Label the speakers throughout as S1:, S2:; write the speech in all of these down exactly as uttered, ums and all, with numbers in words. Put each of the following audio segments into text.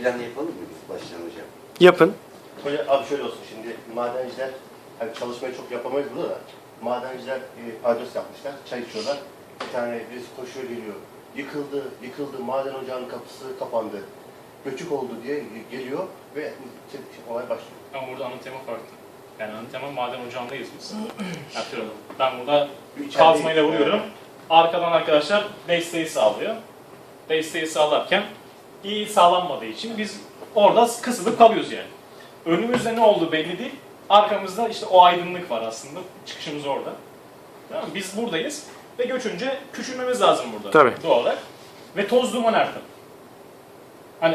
S1: plan yapalım mı biz baştan hocam?
S2: Yapın.
S3: Hoca abi şöyle olsun şimdi madenciler hani çalışmayı çok yapamayız burada da madenciler e, adres yapmışlar, çay içiyorlar. Bir tane birisi koşuyor geliyor. Yıkıldı, yıkıldı, maden ocağının kapısı kapandı. Göçük oldu diye geliyor ve olay başlıyor.
S4: Ama burada ana tema farklı. Yani ana tema maden ocağındayız biz. Yapıyorum. Ben burada kazmayla vuruyorum. Arkadan arkadaşlar desteği sağlıyor. Desteği sağlarken iyi sağlanmadığı için biz orada kısılıp kalıyoruz yani. Önümüzde ne olduğu belli değil. Arkamızda işte o aydınlık var aslında. Çıkışımız orada. Tamam mı? Biz buradayız ve göçünce küçülmemiz lazım burada.
S2: Tabii.
S4: Doğal olarak. Ve toz duman artık. Hani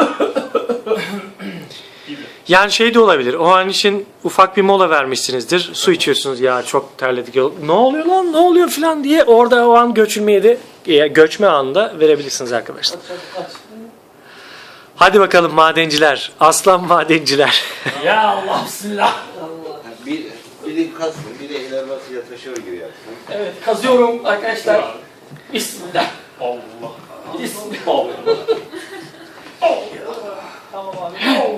S4: gibi.
S2: Yani şey de olabilir. O an için ufak bir mola vermişsinizdir. Su içiyorsunuz. Ya çok terledik. Ne oluyor lan? Ne oluyor falan diye orada o an göçülmeyi de e, göçme anında verebilirsiniz arkadaşlar. Hadi bakalım madenciler. Aslan madenciler.
S4: Ya Allah bismillah.
S1: Bir, biri kazsın, biri el arabasıyla taşıyor gibi yapsın.
S5: Evet, kazıyorum arkadaşlar. Bismillah.
S4: Allah.
S5: Bismillah. Tamam abi.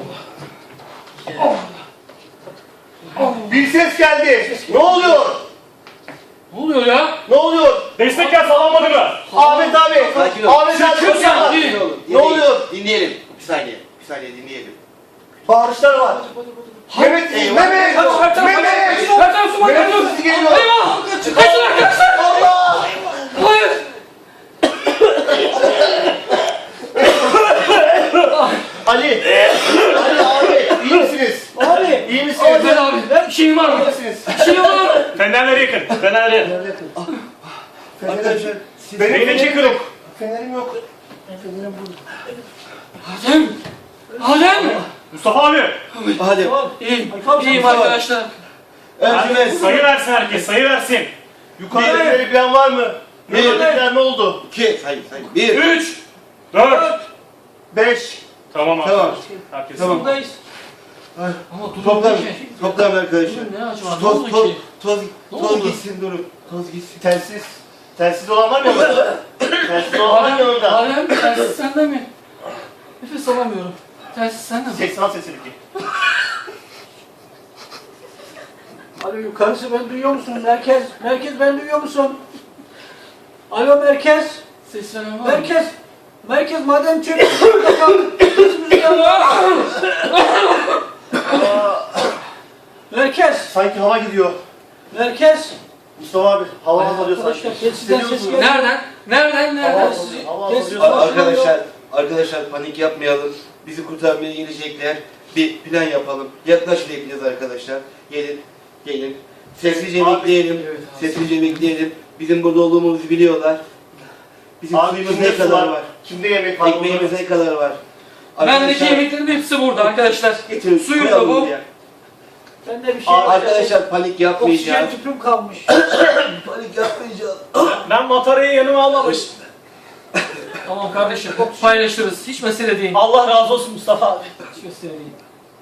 S3: Bir ses geldi. Ne oluyor?
S5: Ne oluyor ya?
S3: Ne oluyor?
S4: Destekler sağlanmadı mı?
S3: Ahmet abi.
S1: Sakin ol.
S3: Ahmet abi.
S5: Sakin ol.
S3: Sakin ol.
S1: Oğlum,
S3: Ne oluyor?
S1: Dinleyelim. Bir saniye. Bir saniye dinleyelim.
S3: Bağırışlar var. Mehmet,
S1: Eyvah.
S3: Mehmet,
S5: Kaç, kaç, kaç,
S3: Mehmet.
S5: kaç, kaç, kaç, su
S3: Mehmet
S5: geliyor.
S3: sesi geliyor.
S5: Eyvah! Kaçın arkadaşlar!
S3: Allah!
S5: Hayır!
S3: Ali. Ali abi. İyi misiniz?
S5: Abi!
S3: İyi misiniz?
S5: Abi abi, ben bir şeyim var
S3: İyi
S5: mı?
S3: misiniz?
S5: Bir şeyim var mı?
S4: Fenerleri yakın. Fenerleri.
S3: Arkadaşlar.
S4: Beynindeki kırık.
S3: Fenerim yok.
S5: Adem! Adem!
S4: Mustafa abi.
S1: Hadi.
S5: İyiyim, iyiyim arkadaşlar.
S1: Ercüment.
S4: Sayı versin herkes. Sayı versin.
S3: Yukarıda bir plan var mı?
S1: Bir.
S3: Yukarıdakiler ne oldu?
S1: İki. Sayın sayın. Bir.
S4: Üç. Dört.
S3: Beş.
S4: Tamam abi.
S1: Tamam.
S4: Herkes.
S1: Tamam.
S5: Buradayız.
S1: Ay.
S5: Ama durum
S1: Toplam.
S5: değil ki.
S1: Toplam arkadaşlar.
S5: Durum ne acaba? Ne
S1: Toz,
S5: oldu
S1: toz,
S5: ki?
S1: toz,
S5: Ne
S1: toz
S5: oldu?
S1: gitsin durun. Toz gitsin.
S3: Telsiz. Telsiz olan var mı yanında? Telsiz olan var mı yanında?
S5: Adem, telsiz sende mi? Nefes alamıyorum. Telsiz sende mi?
S3: seksen sesini ki.
S6: Alo yukarısı ben duyuyor musun? Merkez, merkez ben duyuyor musun? Alo merkez,
S5: Ses veren var mı?
S6: merkez, merkez maden çöp. Merkez,
S3: Sanki hava gidiyor.
S6: merkez.
S3: Mustafa abi hava alıyor sanki.
S6: Arkadaşlar telsizden ses
S3: Hissediyor musun?
S6: geliyor.
S5: Nereden? Nereden?
S3: Hava
S5: Nereden?
S3: alıyor. Hava
S6: Telsizden
S3: alıyor.
S1: Ar- Arkadaşlar, arkadaşlar panik yapmayalım. Bizi kurtarmaya gelecekler. Bir plan yapalım. Yaklaşın hepiniz arkadaşlar. Gelin, gelin. Sessizce
S3: Abi,
S1: bekleyelim.
S5: evet abi.
S1: Sessizce bekleyelim. Bizim burada olduğumuzu biliyorlar. Bizim
S3: Abi
S1: suyumuz
S3: kimde
S1: ne
S3: su
S1: kadar
S3: var?
S1: var?
S3: Kimde yemek var?
S1: Ekmeğimiz ne kadar var?
S5: Bendeki yemeklerin hepsi burada arkadaşlar.
S1: getirin,
S5: Suyum da
S1: koyalım
S5: bu.
S1: buraya.
S6: Bende bir şey
S3: Abi,
S6: var.
S1: Arkadaşlar panik yapmayacağız.
S6: Oksijen tüpüm kalmış.
S1: Panik yapmayacağız.
S4: Ben matarayı yanıma almamış.
S5: Tamam kardeşim, paylaşırız. Hiç mesele değil.
S4: Allah razı olsun Mustafa abi.
S5: Hiç mesele değil.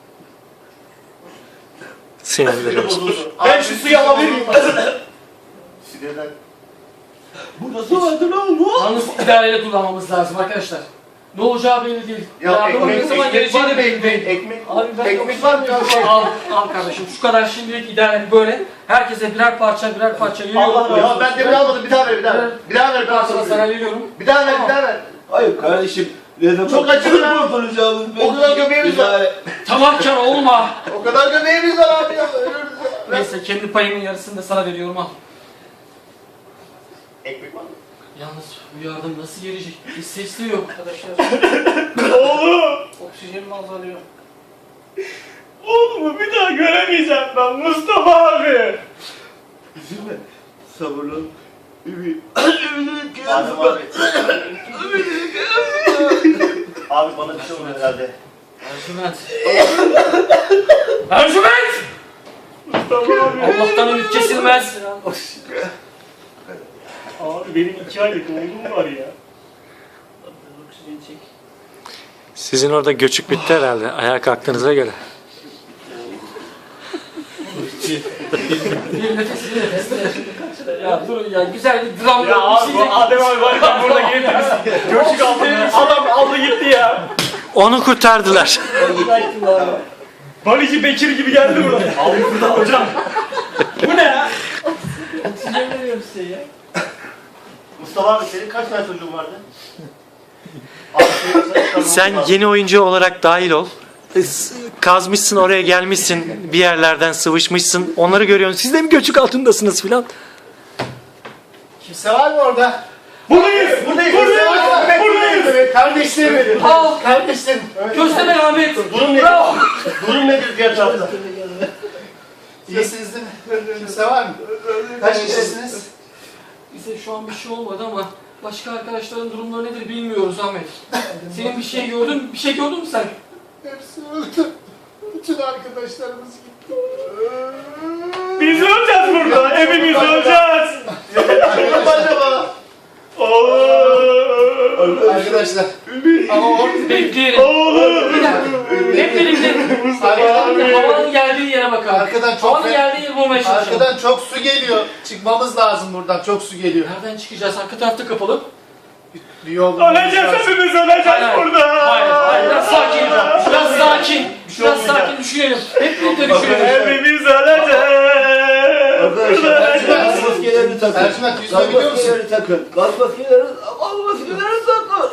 S2: Sinirlerim.
S4: Ben şu suyu alabilir miyim?
S3: Sinirden.
S1: Burada su vardı ne oldu?
S5: Yalnız idareyle kullanmamız lazım arkadaşlar. Ne olacağı belli değil.
S3: Ya
S5: Yardımın ne
S3: ekmek,
S5: zaman
S3: ekmek
S5: geleceği
S3: var
S5: de
S3: mı?
S5: belli değil.
S3: Ekmek,
S6: Abi ben
S3: ekmek var mı?
S6: oksijen
S5: Al, al kardeşim. Şu kadar şimdilik idare böyle. Herkese birer parça birer parça veriyorum.
S3: Allah ya ben demir almadım bir daha ver bir daha ver. Bir daha ver
S5: Bir
S3: bir daha
S5: parça da sana
S3: ver.
S5: veriyorum.
S3: Bir daha ver bir daha ver.
S1: Hayır kardeşim. Ne zaman
S3: Çok acı lan.
S1: kurtaracağımız
S3: O kadar göbeğimiz var.
S1: İdare-
S5: Tamahkar olma.
S3: O kadar göbeğimiz var abi ya. Ölürüz ya.
S5: Neyse kendi payımın yarısını da sana veriyorum al.
S3: Ekmek var mı?
S5: Yalnız bu yardım nasıl gelecek? Hiç sesli yok.
S6: Arkadaşlar
S4: Oğlum.
S6: oksijenim azalıyor.
S4: Oğlumu bir daha göremeyeceğim ben Mustafa abi.
S1: Üzülme. Sabırlı ol. Ümit.
S3: Adem abi. Abi bana bir şey oluyor herhalde.
S5: Ercüment. Ercüment!
S4: Mustafa abi.
S5: Allah'tan ümit kesilmez.
S4: Abi benim iki aylık oğlum var ya.
S6: Oksijen çek.
S2: Sizin orada göçük bitti herhalde. Ayağa kalktığınıza göre.
S5: Bir nefes bir nefes. Ya durun ya güzel bir dram.
S4: Ya abi bu Adem abi var ya burada gelip de biz göçük aldı. Adam aldı gitti ya.
S2: Onu kurtardılar.
S4: Balici Bekir gibi geldi buraya. Abi burada hocam. Bu ne ya?
S6: Ne veriyorum size ya?
S3: Mustafa abi senin kaç tane çocuğun vardı? Abi, senin-
S2: Sen yeni oyuncu olarak dahil ol. S- Kazmışsın, oraya gelmişsin, bir yerlerden sıvışmışsın. Onları görüyorsun. Siz de mi göçük altındasınız filan?
S7: Kimse var mı orada?
S4: Buradayız. Buradayız. Buradayız. Buradayız.
S7: Kardeşlerim benim.
S5: Al.
S7: Kardeşlerim.
S5: Köstebek Ahmet.
S3: Durum nedir?
S5: Bravo.
S3: Durum nedir diğer tarafta?
S7: İyisiniz değil mi? Kimse var mı? Kaç kişisiniz?
S5: Bize şu an bir şey olmadı ama başka arkadaşların durumları nedir bilmiyoruz Ahmet. Senin bir şey gördün, bir şey gördün mü sen?
S7: Hepsi öldü. Bütün arkadaşlarımız gitti.
S4: Biz öleceğiz burada. Hepimiz öleceğiz.
S3: Acaba?
S7: Arkadaşlar. Ama o
S5: Bekleyelim.
S4: Oğlum.
S5: Bir dakika. Hep birlikte
S7: arkadan,
S5: havanın geldiği yere bakalım.
S7: arkadan çok
S5: Havanın geldiği yeri bulmaya çalışalım.
S7: arkadan çok su geliyor. Çıkmamız lazım buradan. Çok su geliyor.
S5: Nereden çıkacağız? Arka tarafta kapalı.
S7: Bir yol bulmamız
S4: Öleceğiz
S7: lazım.
S4: hepimiz öleceğiz
S5: Hayır,
S4: burada.
S5: Hayır, hayır. Biraz sakin. Biraz sakin.
S3: şey
S5: Biraz
S3: olmayacak.
S5: sakin düşünelim. Hep birlikte düşünelim.
S4: Hepimiz öleceğiz.
S1: Arkadaşlar gaz maskelerini takın.
S7: Ercüment, yüzme
S1: Gaz
S7: biliyor musun?
S1: maskelerini takın. Gaz maskelerini, gaz maskelerini takın.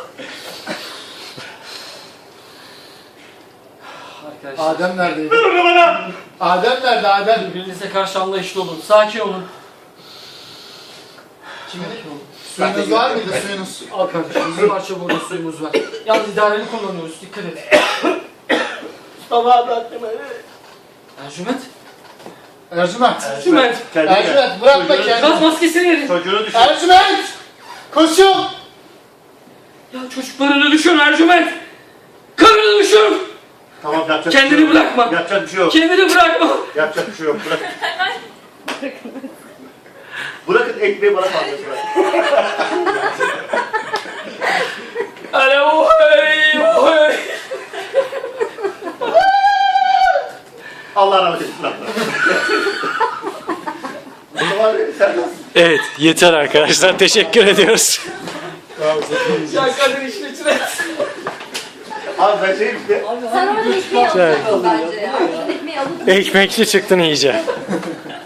S5: Arkadaşlar.
S7: Adem neredeydi?
S4: Ver onu bana.
S7: Adem nerede Adem?
S5: Birbirinize karşı anlayışlı olun. Sakin olun.
S7: Kimin? Suyunuz var mıydı suyunuz?
S5: Al kardeşim. Bir parça burada suyumuz var. Yalnız idareli kullanıyoruz. Dikkat et.
S1: Mustafa abi aklıma.
S5: Ercüment.
S7: Ercüment.
S5: Ercüment.
S7: Ercüment bırakma kendini.
S5: Gaz maskesini verin.
S3: Çocuğunu düşün.
S7: Ercüment! Koşun!
S5: Ya çocuklarını düşün Ercüment. Karını düşün.
S3: Tamam yapacak bir
S5: Kendini
S3: şey yok.
S5: bırakma.
S3: Yapacak bir şey yok.
S5: Kendini bırakma.
S3: Yapacak bir şey yok. Bırak. Bırakın ekmeği bana kaldırsın.
S5: Hele ohay ohay.
S3: Allah rahmet etsin. Mustafa abi sen nasılsın?
S2: Evet, yeter arkadaşlar. Teşekkür ediyoruz.
S5: Ya kadın işin içine.
S3: Abi ben şeyim işte.
S8: Sen orada ekmeği alacaksın bence ya. Ekmeği alıp
S2: Ekmekçi çıktın iyice.